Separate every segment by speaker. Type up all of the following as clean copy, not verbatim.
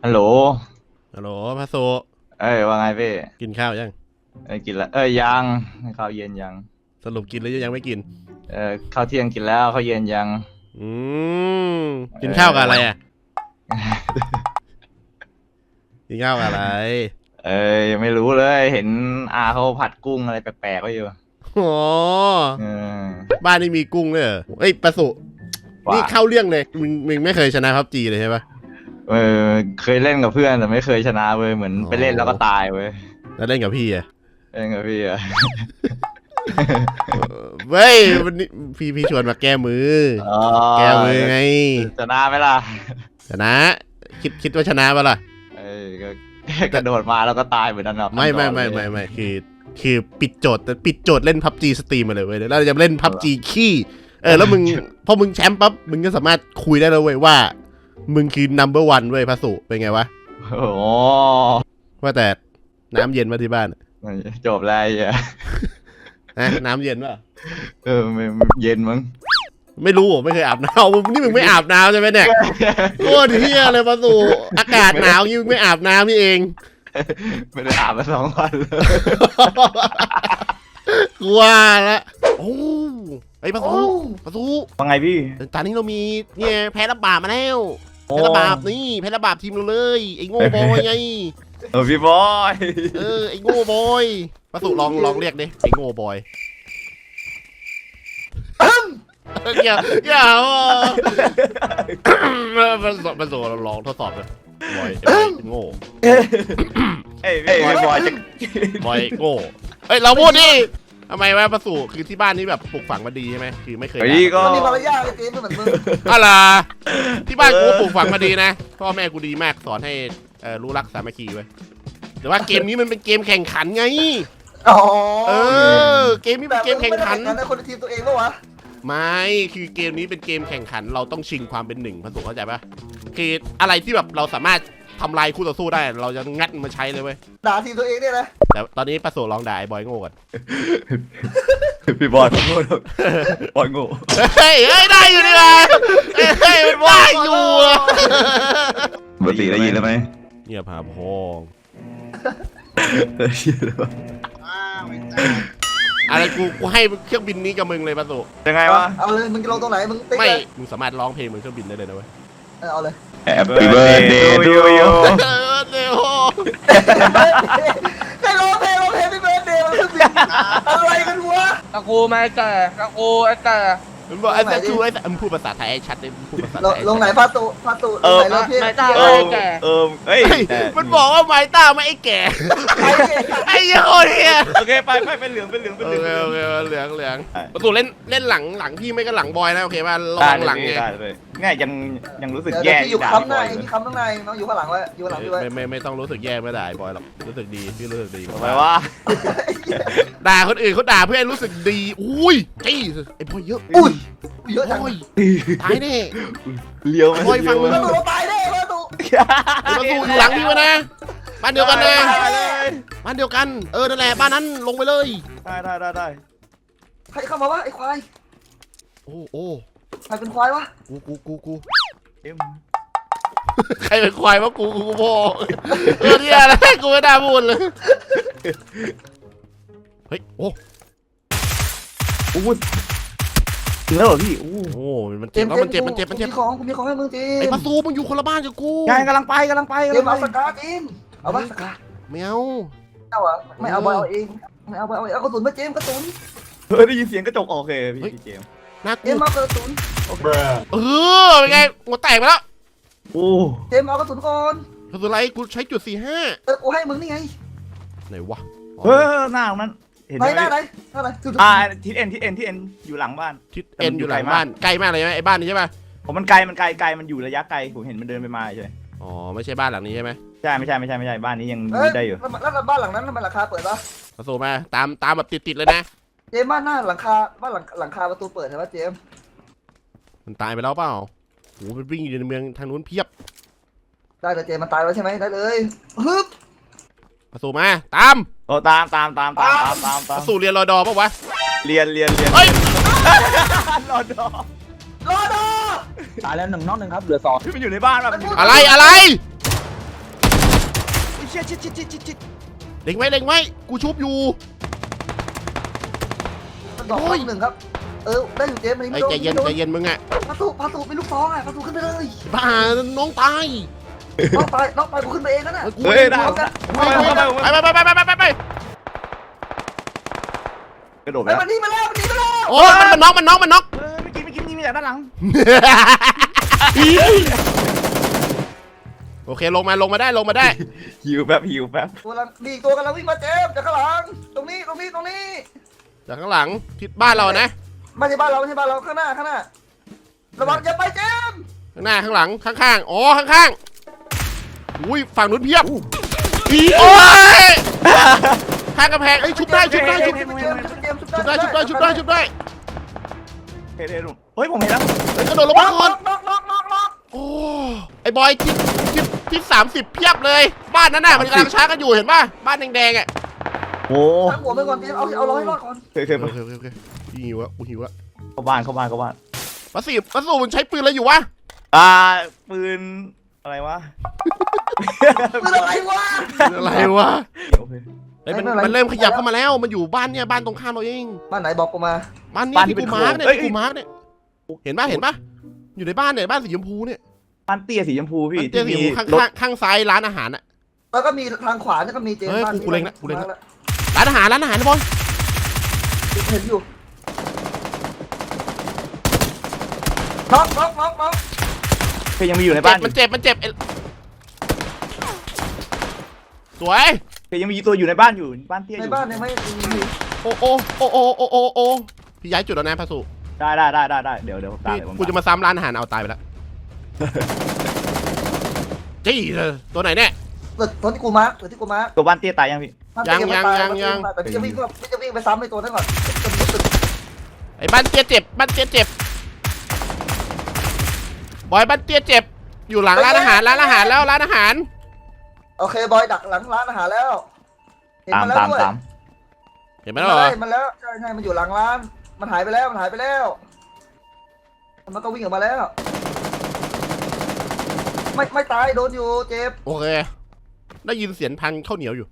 Speaker 1: ฮัลโหล
Speaker 2: ฮัลโหลพระโซ
Speaker 1: ว่าไงพี่
Speaker 2: กินข้าวยัง
Speaker 1: กินแล้วยังข้าวเย็นยัง
Speaker 2: สรุปกินหรือยังไม่กิน
Speaker 1: ข้าวเที่ยงกินแล้วข้าวเย็นยัง
Speaker 2: อืมกินข้าวกับอะไรอ่ะกินข้าวกับอะไร
Speaker 1: ยังไม่รู้เลยเห็นอาเขาผัดกุ้งอะไรแปลกๆไว้อยู่
Speaker 2: อ๋อบ้านนี่มีกุ้งเลยเหรอเอ้ยประสุนี่เข้าเรื่องเลยมึงไม่เคยชนะพับจีเลยใช่ปะ
Speaker 1: เคยเล่นกับเพื่อนแต่ไม่เคยชนะเว้ยเหมือนไปเล่นแล้วก็ตายเว้ย
Speaker 2: แล้วเล่นกับพี่อะ
Speaker 1: เล่นกับพี่อะ
Speaker 2: เว้ยวันนี้พี่ชวนมาแก้มือแก้มือไง
Speaker 1: ชนะไหมล่ะ
Speaker 2: ชนะคิดว่าชนะปะล่ะ
Speaker 1: ก็กระโดดมาแล้วก็ตายเหมือนนั้นหรอ
Speaker 2: ไม่คือปิดโจทย์แต่ปิดโจทย์เล่นพับจีสตรีมมาเลยเว้ยแล้วเราจะเล่นพับจีขี้แล้วมึงพอมึงแชมป์ปั๊บมึงก็สามารถคุยได้แล้วเว้ยว่ามึงคือ number 1เว้ยพระสุเป็นไงวะ
Speaker 1: โอ้
Speaker 2: ว่าแต่น้ำเย็นมาที่บ้าน
Speaker 1: จบแล้ว
Speaker 2: นะน้ำเย็นป่ะ
Speaker 1: ไม่เย็นมั้ง
Speaker 2: ไม่รู้ไม่เคยอาบน้ำนี่มึงไม่อาบน้ำใช่ไหมเนี่ยโคตรเฮี้ยเลยพระสุอากาศหนาวยิ่งไม่อาบน้ำนี่เอง
Speaker 1: ไม่ได้อาบมา2 วันเลย
Speaker 2: กลัวละโอ้ไอ้พระสุ
Speaker 1: ว่าไงพี่
Speaker 2: ตอนนี้เรามีเนี่ยแพ้ระบาดมาแล้วแพ้ระบาดนี่แพ้ระบาดทีมเราเลยไอ้โง่บอยไง
Speaker 1: พี่บอย
Speaker 2: ไอ้โง่บอยพระสุลองเรียกดิไอ้โง่บอยอย่ามันโซ่ลองทดสอบเลยบอยโง่
Speaker 1: บอยจะ
Speaker 2: บอยโง่เราพูดดิทำไมวะประสูคือที่บ้านนี้แบบปลูกฝังมาดีใช่ไหมคือไม่เคย
Speaker 1: ก็
Speaker 3: มีมารยาทเลยเกมไม่เหมือนมึง
Speaker 2: อะไรที่บ้านกูปลูกฝังมาดีนะพ่อแม่กูดีมากสอนให้รู้รักสามัคคีไว้แต่ว่าเกมนี้มันเป็นเกมแข่งขันไงเกมนี้เป็นเกมแข่งขัน
Speaker 3: แต่คนทีมตัวเองปะวะ
Speaker 2: ไม่คือเกมนี้เป็นเกมแข่งขันเราต้องชิงความเป็นหนึ่งประสูเข้าใจปะคืออะไรที่แบบเราสามารถทำลายคู่ต่อสู้ได้เราจะงัดมาใช้เลยเว้ย
Speaker 3: ด่าทีมตัวเองเนี่ยนะ
Speaker 2: แต่ตอนนี้ประสูลองด่าไอ้บอยโง่ก่อน
Speaker 1: พี่บอยโง่บอยโง่
Speaker 2: เฮ้ยได้อยู่ดีว่ะเฮ้ยมันว่าอยู่
Speaker 1: ปกติได้ยินแล้วไหม
Speaker 2: เงียบหาพองอะไรกูให้เครื่องบินนี้กับมึงเลยประสู
Speaker 1: ยังไงวะ
Speaker 3: เอาเลยมึงจะลงตรงไหนมึง
Speaker 2: ไม่มึงสามารถร้องเพลงบนเครื่องบินได้เลยนะเว้ย
Speaker 3: เอาเลย
Speaker 1: Happy birthday to you
Speaker 3: ใครร้องเพลงHappy birthday มันคืออะไรกันวะ
Speaker 4: ตะกูไม่แก่ตะกูไอ้แก่
Speaker 2: มึงบอกไอ้แต่คือไอ้แต่มึงพูดภาษาไทยไอ้ชัดเลยมึงพูดภาษาไทย
Speaker 3: ลงไหนพาตุไหนเราพี่
Speaker 4: ไม่ต้าไม่แก่
Speaker 1: เฮ้ย
Speaker 2: มันบอกว่าไม้ต้าไม่ไอ้แก่ไอ้โอ้ย
Speaker 1: โอเคไปเป็นเหลืองโอเค
Speaker 2: เหลืองประตูเล่นหลังพี่ไม่ก็หลังบอยนะโอเคป่ะลองหลังไง
Speaker 1: ง่ายยังรู้สึกแย่
Speaker 3: อยู่คำในมีคำข้างในน้องอยู่ข้างหลังไว้อยู่ข้างหลังพี่ไว้
Speaker 2: ไม่ต้องรู้สึกแย่ไม่ได้บอยหรอกรู้สึกดีพี่รู้สึกดี
Speaker 1: ทำไมวะ
Speaker 2: ด่าคนอื่นเขาด่าเพื่อรู้สึกดีอุ้ยจี้ไอ้บอยเยอะ
Speaker 3: เยอะจัง
Speaker 2: ตายแน่
Speaker 1: เลี้ยว
Speaker 2: บอยฟังมึง
Speaker 3: ตายแน่ประตู
Speaker 2: อยู่หลังพี่วะนะบ้านเดียวกันนะบ้านเดียวกันนั่นแหละบ้านนั้นลงไปเลย
Speaker 1: ได้
Speaker 3: ใครเข้ามาวะไอ้ควาย
Speaker 2: โอ้
Speaker 3: ใครเป็นควายวะ
Speaker 2: กูใครเป็นควายวะกูพ่อเนี่ยอะไรกูไม่ได้พูดเลยเฮ้ยโอ้
Speaker 1: ถึงแล้วเหรอพี่โอ้
Speaker 2: มันเจ็บแล้วมันเจ็บ
Speaker 3: มีของให้มึงจริง
Speaker 2: ไอ้ประตูมึงอยู่คนละบ้านกับกู
Speaker 1: ใช่กำลังไป
Speaker 3: เกมเอาสกาทีมเอาบ้าสกา
Speaker 2: ไม่เอา
Speaker 3: ไม่เอาบอยเอาเองไม่เอาบอยเอากระสุนมาเจมกระสุน
Speaker 1: ได้ยินเสียงกระจกโอเคพี่เจม
Speaker 2: น่ากลัว
Speaker 3: เจมเอากระสุน
Speaker 2: เป็นไงหัวแตกไปแล้ว
Speaker 3: เจมเอากระสุนก่อน
Speaker 2: กระสุนอะไรกูใช้จุด45
Speaker 3: กูให้มึงนี่ไง
Speaker 2: ไหนวะ
Speaker 1: หน้านั้น
Speaker 3: เห็นไหน
Speaker 1: ทิศเอ็นอยู่หลังบ้าน
Speaker 2: ทิศเอ็นอยู่หลังบ้านไกลมากเลยไหมไอ้บ้านนี้ใช่ไหม
Speaker 1: ผมมันไกลมันอยู่ระยะไกลผมเห็นมันเดินไปมาใช่
Speaker 2: อ๋อไม่ใช่บ้านหลังนี้ใช่ไหม
Speaker 1: ใช่ไม่ใช่บ้านนี้ยังได้อยู่
Speaker 3: แล้วบ้านหลังนั้นมันราคาเปิดปะ
Speaker 2: ประตูมาตามแบบติดเลยนะ
Speaker 3: เจมบ้านหน้าหลังคาบ้านหลังคาประตูเปิดใช่ไหมเจม
Speaker 2: มันตายไปแล้วเปล่าโหมันวิ่งอยู่ในเมืองทางนู้นเพียบ
Speaker 3: ได้แต่เจมมันตายแล้วใช่ไหมได้เลยฮึบ
Speaker 2: ประตูมาตาม
Speaker 1: ตาม
Speaker 2: ประตูเรียนรอดอป่ะวะ
Speaker 1: เรียน
Speaker 2: เฮ้ย
Speaker 1: รอดอ
Speaker 3: ต
Speaker 4: ายแล้ว1 นอก 1ครับเหลือ2
Speaker 1: ที่มันอยู่ในบ้านป่ะ
Speaker 2: อะไร
Speaker 3: เชี่ยชิด
Speaker 2: เล็งไว้กูชุบอยู่
Speaker 3: มันดอกหนึ่งครับได้อยู่เจมส์
Speaker 2: ไอ้ใจเย็นมึงอ่ะ
Speaker 3: พาสุมีลูกซองอ่ะพาสุขึ้นไปเลย
Speaker 2: บ้าน้องตาย
Speaker 3: น้องไปกูขึ้นไปเองนั่นน่ะ
Speaker 2: เฮ้ยได้ไป
Speaker 1: กระโดดไป
Speaker 3: ไอ้
Speaker 1: แล้ว
Speaker 3: มันนี่มาแล้ว
Speaker 2: โอ้มันน็อก
Speaker 1: เมื่อกี้นี่มีจากด้านหลัง
Speaker 2: โอเคลงมาได้
Speaker 1: หิวแป๊บ
Speaker 3: ตัวละมีตัวกำลังวิ่งมาเจมส์จากข้างหลังตรงนี้
Speaker 2: จากข้างหลังทิศบ้านเรานะ
Speaker 3: ไม่ใช่บ้านเราข้างหน้าระวังอย่าไปเจมส์
Speaker 2: ข้างหน้าข้างหลังข้างๆอ๋อข้างๆอุ้ยฝั่งนู้นเพียบโอ้ยข้างกระแพงชุบได้
Speaker 3: ชุบได้
Speaker 1: เฮ้ยผมเห็นแล้ว
Speaker 2: กระโดดลงมาก่อน
Speaker 3: น็อก
Speaker 2: โอ้ไอ้บอยทิศ30เพียบเลยบ้านนั้นน่ะมันกำลังช้ากันอยู่เห็นป่ะบ้านแดงๆอ่ะ
Speaker 1: โอ้
Speaker 3: ตั้งหัวไปก่อนเจมส์เอาร้อยรอดก่อน
Speaker 1: เคย
Speaker 2: โอเคหิวอะ
Speaker 1: เข้าบ้าน
Speaker 2: วัสดุมันใช้ปืนอะไรอยู่วะ
Speaker 1: ปืนอะไรวะ
Speaker 3: เป็นอะไรวะ
Speaker 2: อะไรวะ
Speaker 1: โอเค
Speaker 2: เฮ้ยมันเริ่มขยับเข้ามาแล้วมันอยู่บ้านเนี่ยบ้านตรงข้ามเราเอง
Speaker 3: บ้านไหนบอกกูมา
Speaker 2: บ้านนี้ที่กูมาร์กเนี่ยที่กูมาร์กเนี่ยเห็นป่ะอยู่ในบ้านเนี่ยบ้านสีชมพูเนี่ย
Speaker 1: บ้านเตี้ยสีชมพูพี่
Speaker 2: บ้านเตี้ยสีชมพูข้างซ้ายร้านอาหารอะ
Speaker 3: แล้วก็มีทางขวาก็มีเจมส์บ้าน
Speaker 2: กูเล็งละร้านอาหารนะบอย
Speaker 3: เห็นอยู่น็อก
Speaker 1: เคยยังมีอยู่ในบ้าน
Speaker 2: มันเจ็บสวย
Speaker 1: เคยยังมีตัวอยู่ในบ้านอยู่บ้านเตี้ยอ
Speaker 3: ใน
Speaker 1: ยู่
Speaker 3: บ้านเนี่ยไม่มี
Speaker 2: โอ้พี่ย้ายจุดแล้วนะพระสุ
Speaker 1: ได้เดี๋ยวผมตาม
Speaker 2: กูจะมาซ้ำร้านอาหารเอาตายไปแล้วจี้ตัวไหนเนี่ย
Speaker 3: ตัวที่กูมาร์ค
Speaker 1: ตัวบ้านเตี้ยตายยังพี่
Speaker 3: แต่พี่จะวิ่งไปซ้ำในตัวนั้นก่อน
Speaker 2: ไอ้บ้านเตี้ยเจ็บบอยบ้านเตี้ยเจ็บอยู่หลังร้านอาหารแล้วร้านอาหาร
Speaker 3: โอเคบอยดักหลังร้านอาหารแล้วเห็นมันแล้วด้วย
Speaker 2: เห็นไหมล่ะ
Speaker 3: มันแล้วใช่มันอยู่หลังร้านมันหายไปแล้วมันก็วิ่งออกมาแล้วไม่ตายโดนอยู่เจ็บ
Speaker 2: โอเคได้ยินเสียงพันข้าวเหนียวอยู่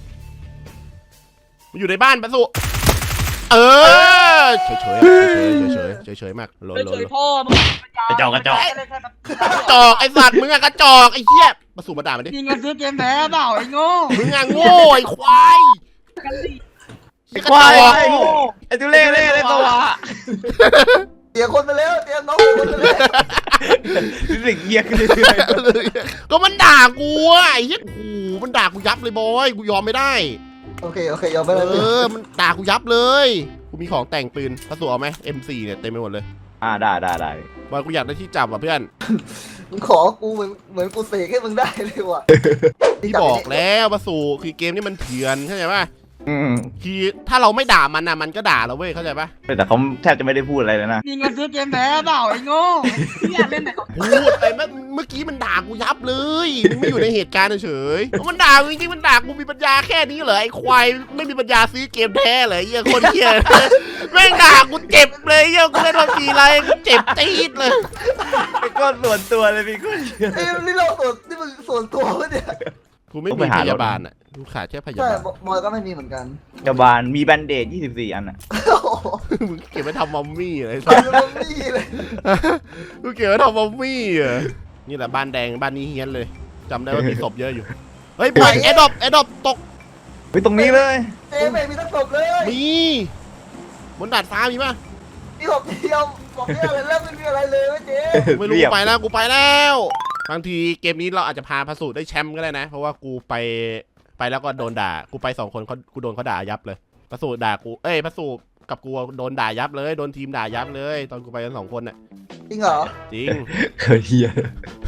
Speaker 2: มันอยู่ในบ้านพระสุเฉยมากโล
Speaker 4: เฉยพ่อมึง
Speaker 1: กระจอก
Speaker 2: กระจอกไอสัตว์มึงอะกระจอกไอเหี้ยมาสู่มาด่ามันดิ
Speaker 4: มีเงินซื้อเกมแพ้เปล่าไอ้โง่
Speaker 2: มึงอะโง่ไอควาย
Speaker 1: ไอ้ควายไอ้ตุเล่เลยตัว
Speaker 3: เสียคนไปแล้วเตรียมน้องคนไปแล้ว
Speaker 1: รู้สึกเยียขึ้นเรื่อย
Speaker 2: ก็มันด่ากูอะไอ้เหี้ยโอ้โหมันด่ากูยับเลยบอยกูยอมไม่ได้
Speaker 3: โอเคยอมไปเลย
Speaker 2: มันด่ากูยับเลยกูมีของแต่งปืนพระสุเอาไหม M4 เนี่ยเต็มไปหมดเลย
Speaker 1: ๆได้
Speaker 2: บอยกูอยากได้ที่จับอ่ะเพื่อน
Speaker 3: มึงขอกูเหมือนกูเสกให้มึงได้เลยว่ะ
Speaker 2: พี่บอกแล้วพระสุคือเกมนี้มันเถื่อนเข้าใจป่ะ
Speaker 1: อืม
Speaker 2: คือถ้าเราไม่ด่ามันนะมันก็ด่าเราเว้ยเข้าใจปะ
Speaker 1: แต่เขาแทบจะไม่ได้พูดอะไรเลยนะ
Speaker 4: มีเงินซื้อเกมแพ้เปล่าไอ้โง่ที่อยากเล่นไหนก็
Speaker 2: พูดไปเมื่อกี้มันด่ากูยับเลยมึงไม่อยู่ในเหตุการณ์เฉยมันด่ากูจริงๆมันด่ากูมีปัญญาแค่นี้เหรอไอ้ควายไม่มีปัญญาซื้อเกมแท้เลยเหี้ยคนเหี้ยแม่งด่ากูเจ็บเลยเหี้ยกูเล่นมากี่ไรกูเจ็บตีดเลย
Speaker 1: ไอ้ก้อนส่วนตัวเลยพี่ก้อน
Speaker 3: นี่มึงส่วนตัววะเนี่ย
Speaker 2: กูไม่มีพยาบาลอ่ะกูขาดแค่พยา
Speaker 3: ใช่
Speaker 2: บาล
Speaker 3: บอยก็ไม่มีเหมือนกัน
Speaker 1: กระบาลมีแบนเดด24 อันอ่ะ
Speaker 3: โอ้โห
Speaker 2: มึงเก็บไว้ทำมัมมี่เลย
Speaker 3: ตายแล้วนี่เลย
Speaker 2: กูเก็บไว้ทำมัมมี่อ่ะนี่แหละบ้านแดงบ้านนี้เฮี้ยนเลยจำได้ว่ามีศพเยอะอยู่เฮ้ยปล่อยแอดดอปตก
Speaker 1: ไปตรงนี้เลย
Speaker 3: เจ๊ไม่มีทั้งศพเลย
Speaker 2: มีบนดาดฟ้ามีป่ะ
Speaker 3: มีศพเดียวบอกไม่อะไรแล้วไม่มีอะไรเลยเว้ยเจ๊
Speaker 2: ไม่รู้ไปแล้วกูไปแล้วบางทีเกมนี้เราอาจจะพาพระสูตรได้แชมป์ก็ได้นะ เพราะว่ากูไปแล้วก็โดนด่ากูไป2 คนกูโดนเขาด่ายับเลยพระสูตรด่ากูพระสูตรกับกูโดนด่ายับเลยโดนทีมด่ายับเลย ตอนกูไปกัน2 คนน่ะ
Speaker 3: จริงเหรอ
Speaker 2: จริง
Speaker 1: เคยเฮีย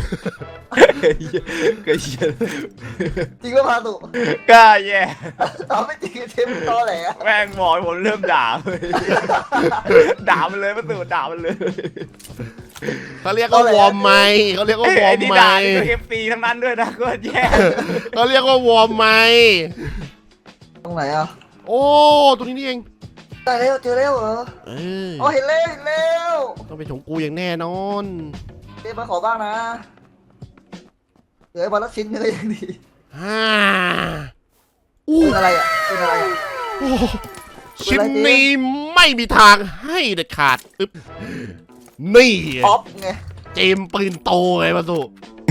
Speaker 1: เคยเฮีย
Speaker 3: จริงก็พาตุ
Speaker 1: กล้าแย่
Speaker 3: ตอบไม่จริงเจ๊มึงตอแหล
Speaker 1: แม่งบอกผมเริ่มด่าเลยด่ามันเลยประตูด่ามันเลย
Speaker 2: เขาเรียกว่าวอร์มไมค์เขาเรียกว่าวอร์ม
Speaker 1: นี่
Speaker 2: ไม
Speaker 1: ด่า
Speaker 2: ค์
Speaker 1: นี่ก็เอฟซีทั้งนั้นด้วยนะก็แย่
Speaker 2: เขาเรียกว่าวอร์มไมค์
Speaker 3: ตรงไหนอ่ะ
Speaker 2: โอ้ตัวนี้นี่เอง
Speaker 3: ได้แล้วเจอแล้วเหรอ อ๋อเห็นแล้ว
Speaker 2: ต้องเป็นของกูอย่างแน่นอน
Speaker 3: เจ๊มาขอบ้างนะเหลือไอ้บอลละชิ้นนึงก็ยังดี
Speaker 2: อู้
Speaker 3: เป็นอะไรอ่ะเป็นอะไรอ่ะ
Speaker 2: โอ้ชิ้นนี้ไม่มีทางให้เด็ดขาดอึ๊บนี่
Speaker 3: ออฟไง
Speaker 2: เจมส์ปืนโตไงมาสุ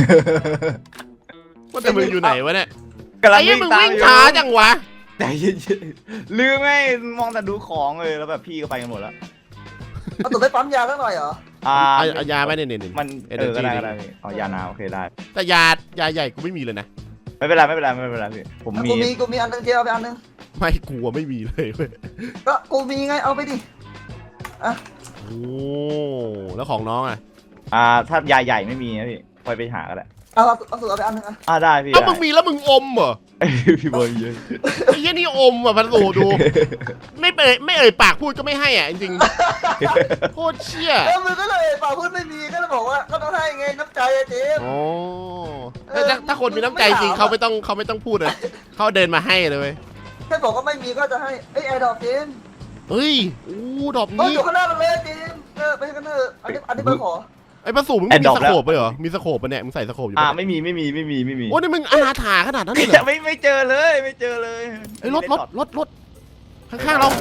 Speaker 2: ว่าแต่มึงอยู่ไหนวะเนี่ย
Speaker 1: กำลัง
Speaker 2: ไอ้ยี่
Speaker 1: วิ่ง
Speaker 2: มึง
Speaker 1: ตาม
Speaker 2: วิ่ง
Speaker 1: อยู่
Speaker 2: ช้าจังวะ
Speaker 1: ใจเย็นๆลืมไงมองแต่ดูของเลยแล้วแบบพี่ก็ไปกันหมดแล้ว
Speaker 3: เอาตัวไปปั๊มยาสักหน่อยเหรอ
Speaker 2: เอายาไหมเนี่ย
Speaker 1: มัน
Speaker 2: เอ
Speaker 1: เอ
Speaker 2: เนอ
Speaker 1: อ
Speaker 2: ร์
Speaker 1: ก็
Speaker 2: จี
Speaker 1: ได้ก็ได้พี่เอายานาโอเคได้
Speaker 2: แต่ยาใหญ่กูไม่มีเลยนะ
Speaker 1: ไม่เป็นไรไม่เป็นไรไม่เป็นไรพี่ผมมี
Speaker 3: กูมีอันนึงเจเอาไปอันนึง
Speaker 2: ไม่กลัวไม่มีเลยเว้ย
Speaker 3: ก็กูมีไงเอาไปดิ
Speaker 2: โอ้แล้วของน้องอ่ะ
Speaker 1: ถ้ายาใหญ่ไม่มีนะพี่ค่อยไปหาก็ได้
Speaker 3: เอาสูตรเอาไปอันนึงอ่ะ
Speaker 1: ได้พี่
Speaker 2: เอ้า
Speaker 1: ได้
Speaker 2: มึงมีแล้วมึงอมเหรอ
Speaker 1: พี่บอยเยอะ
Speaker 2: ไอ้เหี้ยนี่อมอ่ะพันโลดู ไม่เอ่ยปากพูดก็ไม่ให้อ่ะจริงๆโคตรเชี่ย
Speaker 3: แล้วมึงก็เลยป่าพูดไม่มีก็เลยบอกว่าก็ต้องให้ไงน้ำใจอะเจม
Speaker 2: โอ้ถ้าคนมีน้ำใจจริงเขาไม่ต้องพูดเลยเขาเดินมาให้เลยเว้ย
Speaker 3: แค่บอกว่าไม่มีก็จะให้ไอ้แอร์ดรอปเจม
Speaker 2: เฮ้ยอู้ดอก
Speaker 3: ต้อง
Speaker 2: นี้
Speaker 3: อยู่ข้างหน้าเราเลยเจมไปกันเถอะอันนี้เบอร์ขอ
Speaker 2: ไอ้ประสูมึงมีสโคปไปเหรอมีสโคปปะเนี่ยมึงใส่สโคปอยู่ปะ
Speaker 1: ไม่มี
Speaker 2: โอ้นี่มึงอนาถาขนาดนั้นเลยเหรอ
Speaker 1: ไม่เจอเลยไม่เจอเลย
Speaker 2: ไอ้รถข้างๆเรา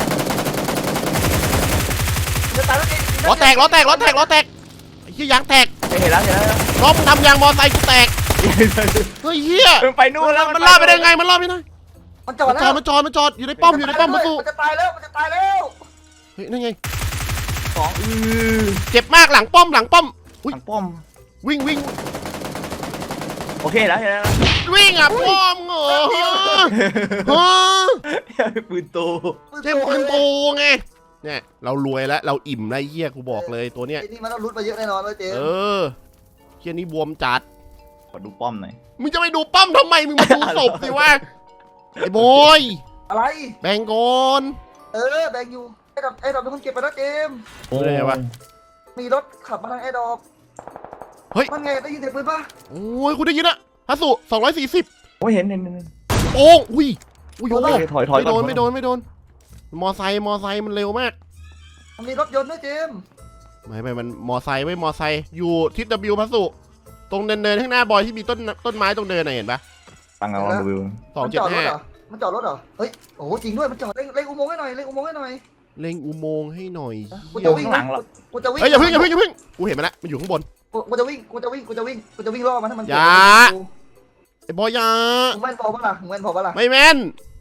Speaker 3: จะตายแล้วเจม
Speaker 2: ล้อแตกไอ้เหี้ยยางแตก
Speaker 1: เห็นแล้ว
Speaker 2: ล้อมึงทำยางมอไซค์กูแตกเฮ้ยเหี้ย
Speaker 1: มันไปนู่นแล้ว
Speaker 2: มันล่อไปได้ไงมันล่อไม่ได้
Speaker 3: มันจอดแล้ว
Speaker 2: มันจอดอยู่ในป้อมประตู
Speaker 3: มันจะตายแล้ว
Speaker 2: เฮ้ยนั่นไง
Speaker 1: ของ
Speaker 2: เจ็บมากหลังป้อม
Speaker 1: หลังป้อม
Speaker 2: วิ่ง
Speaker 1: โอเคแล้วเห็นแล้ว
Speaker 2: วิ่งอ่ะป้อมเหรอฮะ
Speaker 1: ปืนโต
Speaker 2: เจ็บปืนโตไงเนี่ยเรารวยแล้วเราอิ่มแล้วเหี้ยกูบอกเลยตัวเนี้ย
Speaker 3: ไอ้นี่มันต้องรุดมาเยอะแน่นอนเลยเจม
Speaker 2: เหี้ยนี่บวมจัด
Speaker 1: ขอดูป้อมหน่อย
Speaker 2: มึงจะไปดูป้อมทำไมมึงมาดูศพสิวะไอ้บอย
Speaker 3: อะไร
Speaker 2: แบ่งก่อน
Speaker 3: แบงอยู่ไอ้ดอกเป็นคนเก็บไปแล้วเจม
Speaker 2: โอ้ยวะ
Speaker 3: มีรถขับมาทางไอ้ดอก
Speaker 2: เฮ้ย
Speaker 3: มันไงได้ยินเสียงปืนปะ
Speaker 2: โอ้ยคุณได้ยินอะฮัสสุ240
Speaker 1: โอ้ยเห็น
Speaker 2: โอ้อุ้ยโอ้
Speaker 1: ถอย
Speaker 2: ไม่โดนมอไซค์มันเร็วมาก
Speaker 3: มันมีรถยนต์ด้วยเจม
Speaker 2: ไม่มันมอไซค์อยู่ทิศ W พัสสุตรงเนินข้างหน้าบอยที่มีต้นไม้ตรงเนินน่ะเห็นปะ
Speaker 1: ตั้งเอาลองดู
Speaker 3: มันจอดรถเหรอมันจอดรถเหรอเฮ้ยโอ้จริงด้วยมันจอดเร่งอุโมงค์ให้หน่อยเร่งอุโมงค์ให้หน่อย
Speaker 2: เล็งอุโมงค์ให้หน่อย
Speaker 3: กูจะวิ่งกูจะวิ่ง
Speaker 2: เฮ้ยอย่าเพิ่งกูเห็นมันละมันอยู่ข้างบน
Speaker 3: กูจะวิ่งล่อมันถ้ามัน
Speaker 2: อย่า ไอ้บอยยา
Speaker 3: มึงแม่นพอปะล่ะมึงแม่นพอปะล่ะ
Speaker 2: ไม่แม่น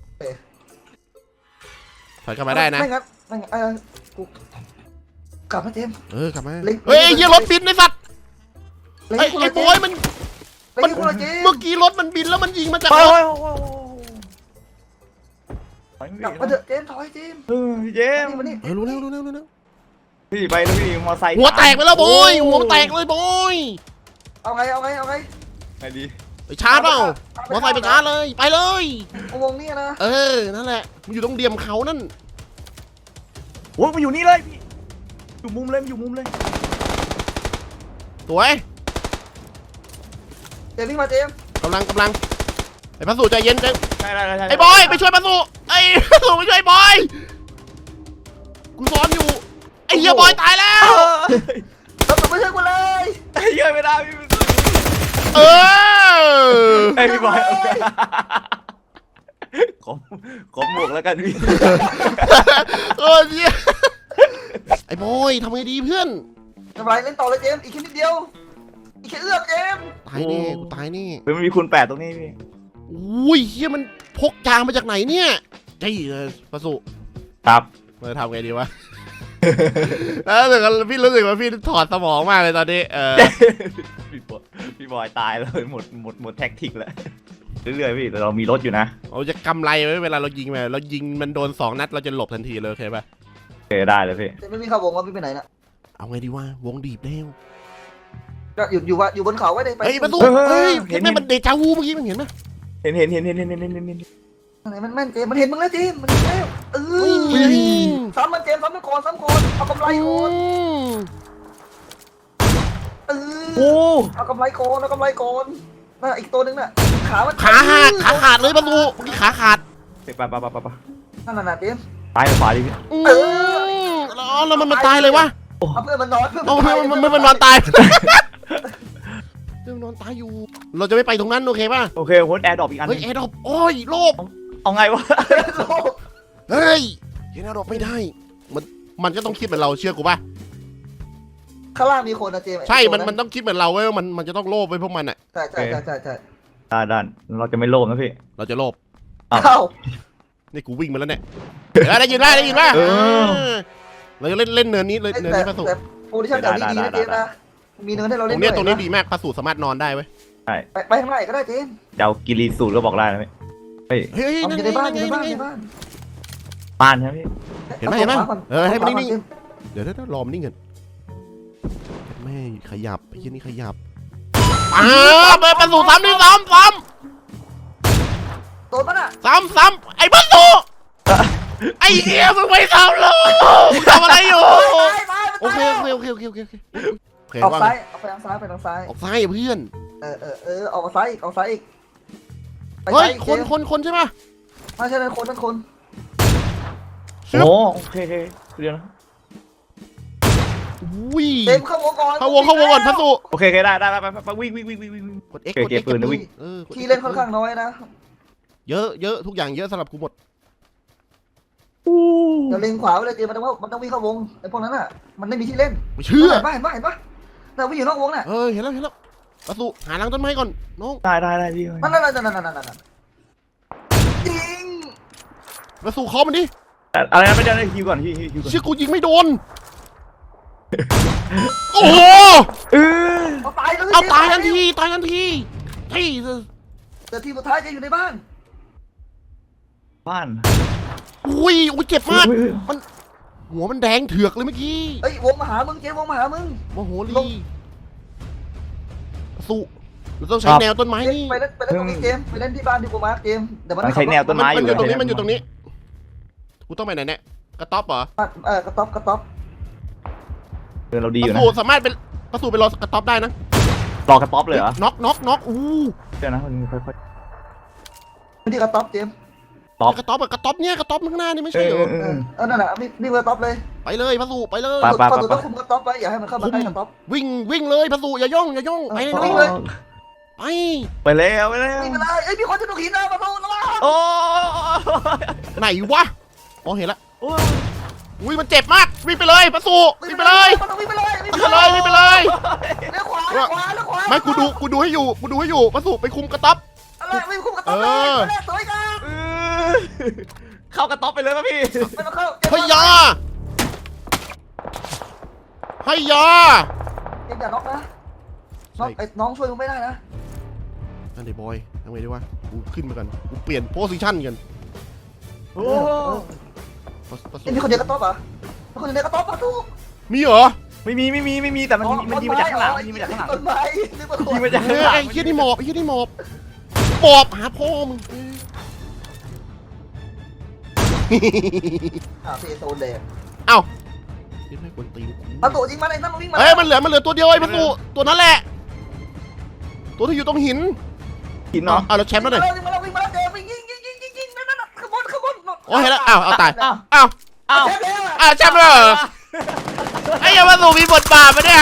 Speaker 2: ถอยกลับมาได้นะ
Speaker 3: ไม่งั้นกูกลับมาเจม
Speaker 2: กลับมาเฮ้ยไอ้เหี้ยรถบินไอ้สัตว์ไอ้บอยมันเมื่อกี้รถมันบินแล้วมันยิงมาจากรถ
Speaker 3: กลับมาเถอะเจมถอยเจม
Speaker 1: พี่เจม
Speaker 3: มานี่
Speaker 2: รู้แล้ว
Speaker 1: พี่ไปแล้วพี่มอไซค์
Speaker 2: หัวแตกไปแล้วบอยหัวแตกเลยบอย
Speaker 3: เอาไง
Speaker 1: ไงดี
Speaker 2: ไปชาร์จเปล่ามอไซค์ไปชาร์จเลยไปเลย
Speaker 3: อุโมงค์นี่นะ
Speaker 2: นั่นแหละมันอยู่ตรงเดียมเขานั่น
Speaker 1: โอ้ยมันอยู่นี่เลยพี่อยู่มุมเลย
Speaker 2: สวย
Speaker 3: เจมวิ่งมาเจม
Speaker 2: กำลังไอ้พัสดุใจเย็นใจ
Speaker 1: ใช่
Speaker 2: ไอ้บอยไปช่วยพัสดุไอ้พัสดุไปช่วยบอยกูซ้อนอยู่ไอ้เหี้ยบอยตายแล้ว
Speaker 3: เราไม่ใช่กูเลย
Speaker 1: เยอะไม่ได้พี่
Speaker 2: ไอ้
Speaker 1: พี่บอยขอหมวกแล้วกันพี่
Speaker 2: เหี้ยไอ้บอยทำไงดีเพื่อน
Speaker 3: ทำไรเล่นต่อเลยเจมอีกแค่นิดเดียวอีกแค่เอื้อมเจม
Speaker 2: ตายแน่กูตายแน่
Speaker 1: มันมีคูณ8ตรงนี้พี่
Speaker 2: อุ้ยเหี้ยมันพกยางมาจากไหนเนี่ยไอ้พัสดุ
Speaker 1: ครับ
Speaker 2: เราทำไงดีวะ แล้วพี่รู้สึกว่าพี่ถอดสมองมากเลยตอนนี้
Speaker 1: พี่บอยตายเลยหมดแท็กติกแล้วเรื่อยๆพี่แต่เรามีรถอยู่นะ
Speaker 2: เราจะกำไรไว้เวลาเรายิงไปเรายิงมันโดน2 นัดเราจะหลบทันทีเลยโอเคป่ะ
Speaker 1: โอเคได้เลยพี่
Speaker 3: เจมไม่มีข่าววงว่าพี่ไปไหนนะ
Speaker 2: เอาไงดีวะวงดีบแล้ว
Speaker 3: ก็อยู่บนเขาไว้เลยไป
Speaker 2: เฮ้ยประตูเฮ้ยเห็นไหมมันเดจาวูเมื่อกี้มันเห็นไหม
Speaker 1: เห็น
Speaker 3: ไหนมันแม่นเจมมันเห็นมึงแล้วเจมมันเห็นแล้วซ้ำมันเจมซ้ำก่อนเอากำไรก่อนเอากำไรก่อนน่ะอีกตัวนึงน่ะขา
Speaker 2: ขาดเลยประตูเมื่อกี้ขาขาด
Speaker 1: ไป
Speaker 3: นั่นน่ะเจม
Speaker 1: ตายขวาดิพี่
Speaker 2: แล้วมันตายเลยวะ
Speaker 3: เอาเพื่อนมันนอน
Speaker 2: มันนอนตายนอนตายอยู่ เราจะไม่ไปตรงนั้นโอเคป่ะ
Speaker 1: โอเคโค้ดแอร์ดรอปอีกอันห
Speaker 2: เฮ้ย
Speaker 1: นึ่ง
Speaker 2: แอร์ดรอปโอ้ยโลภ
Speaker 1: เอาไงวะ
Speaker 2: เฮ้ยแอร์ดรอปไม่ได้มันก็ต้องคิดเหมือนเราเชื่อกูป่ะ
Speaker 3: ข้างล่างมีคนนะเจมส์
Speaker 2: ใช่มันต้องคิดเหมือนเราเว้ยว่ามันจะต้องโลภไว้พวกมันอ่ะ
Speaker 3: ใช่
Speaker 1: ด้านเราจะไม่โลภนะพี่
Speaker 2: เราจะโลภ
Speaker 3: เข้า
Speaker 2: นี่กูวิ่งมาแล้วเนี่ยได้ยินป่ะเราจะเล่นเนินนี้เลยเนินนี้ประสู
Speaker 3: แต่โพซิชั่นแถวนี้ดีนะเจมส์นะมีเนินให้เรา
Speaker 2: ต
Speaker 3: เล่
Speaker 2: ร
Speaker 3: น
Speaker 2: งเนี้ยตรงนี้ดีมากประสูสามารถนอนได้เว้ย
Speaker 3: ไปข้างในก็ได้เจมส์
Speaker 1: จะเอากิริสูตรก็บอกได้นะพี่เฮ้ย
Speaker 2: เฮ้ย
Speaker 3: เอา
Speaker 2: นั่น
Speaker 3: อยู่
Speaker 2: ไง
Speaker 3: ในบ้าน
Speaker 2: นั่น
Speaker 3: อยู่
Speaker 2: ไง
Speaker 3: ใน
Speaker 2: นั่
Speaker 3: บ้าน
Speaker 2: นไง
Speaker 3: ในบ้าน
Speaker 1: บ้านใช่ไหมพี่
Speaker 2: เห็นไหมให้มันนิ่งเดี๋ยวรอมันนิ่งกันไม่ขยับไอ้ยี่นี่ขยับเปิดประสูซ้ำนี่ซ้ำ
Speaker 3: โดนปะน่ะ
Speaker 2: ไอ้ประสูไอ้เหี้ยมึงไม่ทำเลยทำอะไรอยู่โอเค
Speaker 3: ออกซ้ายออกไปทางซ้ายไปทางซ้าย
Speaker 2: ออกซ้ายเพื่อน
Speaker 3: ออกซ้ายอีก
Speaker 2: เฮ้ยคนใช่ป่ะ
Speaker 3: ไม่ใช่นั่นคน
Speaker 1: โอ้โอเคเดี๋ยวนะ
Speaker 2: วิ่
Speaker 3: เต็มเข้าวงก่อน
Speaker 2: เข้าวงก่อนพัสุ
Speaker 1: โอเคได้ไปวิ่ง
Speaker 2: กด X
Speaker 1: เก็บปืนนะวิ่ง
Speaker 3: ที่เล่นค่อนข้างน้อยนะ
Speaker 2: เยอะทุกอย่างเยอะสำหรับกูหมด
Speaker 3: เดี๋ยวเล็งขวาไปเลยเจมมันต้องวิ่งเข้าวงไอ้พวกนั้นอ่ะมันไม่มีที่เล่น
Speaker 2: ไม่เชื่อ
Speaker 3: เห็นปะแต่วิ่งอยู่นอกวงน่ะ
Speaker 2: เห็นแล้วประสูหาหลังต้นไม้ก่อนน้อง
Speaker 1: ได้พี่
Speaker 3: นั่นจริง
Speaker 2: ประสูเคาะมันดิ
Speaker 1: อะไรนะไม่ได้ฮิวก่อนฮิวก่อน
Speaker 2: ชื่อกูยิงไม่โดนโอ้โห
Speaker 3: เอาตายเลย
Speaker 2: เอาตายทันทีเฮ้ย
Speaker 3: แต่ทีสุดท้ายจะอยู่ในบ้าน
Speaker 1: บ้าน
Speaker 2: อุ้ยเจ็บมากมันหัวมันแดงเถือกเลยเมื่อกี้
Speaker 3: เอ้ยวงมาหามึงเจวงมาหามึง
Speaker 2: โมโหลีประสูเราต้องใช้แนวต้นไม้นี่
Speaker 3: ไปเล่นตรงนี้เจมไปเล่นที่บ้านที่กูมาเจมเดี๋ยวมัน
Speaker 1: ใช้แนวต้นไม้
Speaker 2: มันอยู่ตรงนี้กูต้องไปไหนเนี่ยกระต๊อบเหรอก
Speaker 3: ระต๊อบ
Speaker 1: เดินเราดี
Speaker 2: ป
Speaker 1: อยู่
Speaker 2: ระ
Speaker 1: นะ
Speaker 2: สูสามารถเป็นประสูไปรอกระต๊อบได้นะ
Speaker 1: รอกระต๊อบเลยเหรอ
Speaker 2: น็อกอู้
Speaker 1: เดี๋ยวนะมันค่อย
Speaker 3: ที่กระต๊อบเจม
Speaker 2: กระต๊อบเนี่ยกระต๊อบข้างหน้านี่ไม่ใช่เหรอ
Speaker 3: นั่นแหละนี่กระต๊อบเลย
Speaker 2: ไปเลยประสูไปเลย
Speaker 3: พอตัวต้องคุมกระต๊อบไว้อย่าให้มันเข้ามาใกล้กระต๊อบ
Speaker 2: วิ่งเลยประสูอย่าย่องไปเลย
Speaker 1: ไปแล้ว
Speaker 3: นี่เป็นไรเอ้ยมีคนจะดูหินนะประตูระวัง
Speaker 1: โอ้
Speaker 2: ไหนวะอ๋อเห็นละอุ้ยมันเจ็บมากวิ่งไปเลยประสูวิ่งไปเลย
Speaker 3: วิ่งไปเลย
Speaker 2: เลี้ยวขวาไม่กูดูให้อยู่ประสูไปคุมกระต๊อบ
Speaker 3: อะไรวิ่งคุมกระต๊อบเลยสวยงาม
Speaker 1: เข้ากระต๊อบไปเลยป่ะพี่
Speaker 3: ไม่ต้องเข้า
Speaker 2: เฮ้ยยาเจมอย่าน็อกนะน้องช่วยมึงไม่ได้นะนั่นเดี๋ยวบอยทำไงดีวะกูขึ้นมากันกูเปลี่ยนโพสิชั่นกัน
Speaker 1: โอ้
Speaker 3: มีคนเดียวกระต๊อบเหรอคนเดียวกระต๊อบประตู
Speaker 2: มีเหรอ
Speaker 1: ไม่มีแต่มันยิงมาจากข้างหลังยิงมาจากข้างหลัง
Speaker 3: ต้นไม้นึกว่าคน
Speaker 1: ยิงมาจาก
Speaker 2: เฮ้
Speaker 1: ข้างหลัง
Speaker 2: ไอ้เหี้ยนี่หมอบหาพ่อมึง
Speaker 3: เซโซนเลย
Speaker 2: เอ้ายังไม่ควรตีกู
Speaker 3: ประตูยิงมาเลยนั่นมันวิ่งมา
Speaker 2: เฮ้ยมันเหลือตัวเดียวไอ้ประตูตัวนั้นแหละตัวที่อยู่ตรงหิน
Speaker 1: หินเนาะ
Speaker 2: เอาแล้วแชมป์แล้วหน่อย
Speaker 3: วิ่งมาเจอยิงนั่นขบวน
Speaker 2: โอ้เห็นแล้วเอาตาย
Speaker 1: อ้าว
Speaker 3: แชมป์แล้ว
Speaker 2: แชมป์แล้วไอ้ยังประตูมีบทบาทปะเนี่ย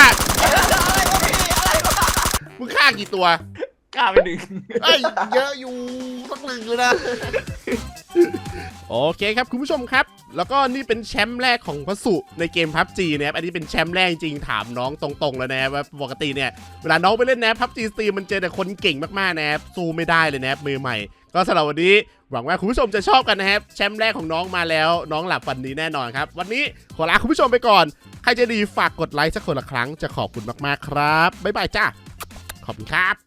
Speaker 2: มึงฆ่ากี่ตัว
Speaker 1: กล้าไปหนึ่ง
Speaker 2: เอ้ยเยอะอยู่สักหนึ่งเลยนะโอเคครับคุณผู้ชมครับ แล้วก็นี่เป็นแชมป์แรกของพระสุในเกม PUBG นะครับอันนี้เป็นแชมป์แรกจริงถามน้องตรงๆแล้วนะว่าปกติเนี่ยเวลาน้องไปเล่นนะ PUBG Steam มันเจอแต่คนเก่งมากๆนะครับสู้ไม่ได้เลยนะครับมือใหม่ก็สำหรับวันนี้หวังว่าคุณผู้ชมจะชอบกันนะครับแชมป์แรกของน้องมาแล้วน้องหลับฝันดีแน่นอนครับวันนี้ขอลาคุณผู้ชมไปก่อนใครจะดีฝากกดไลค์สักคนละครั้งจะขอบคุณมากๆครับบ๊ายบายจ้าขอบคุณครับ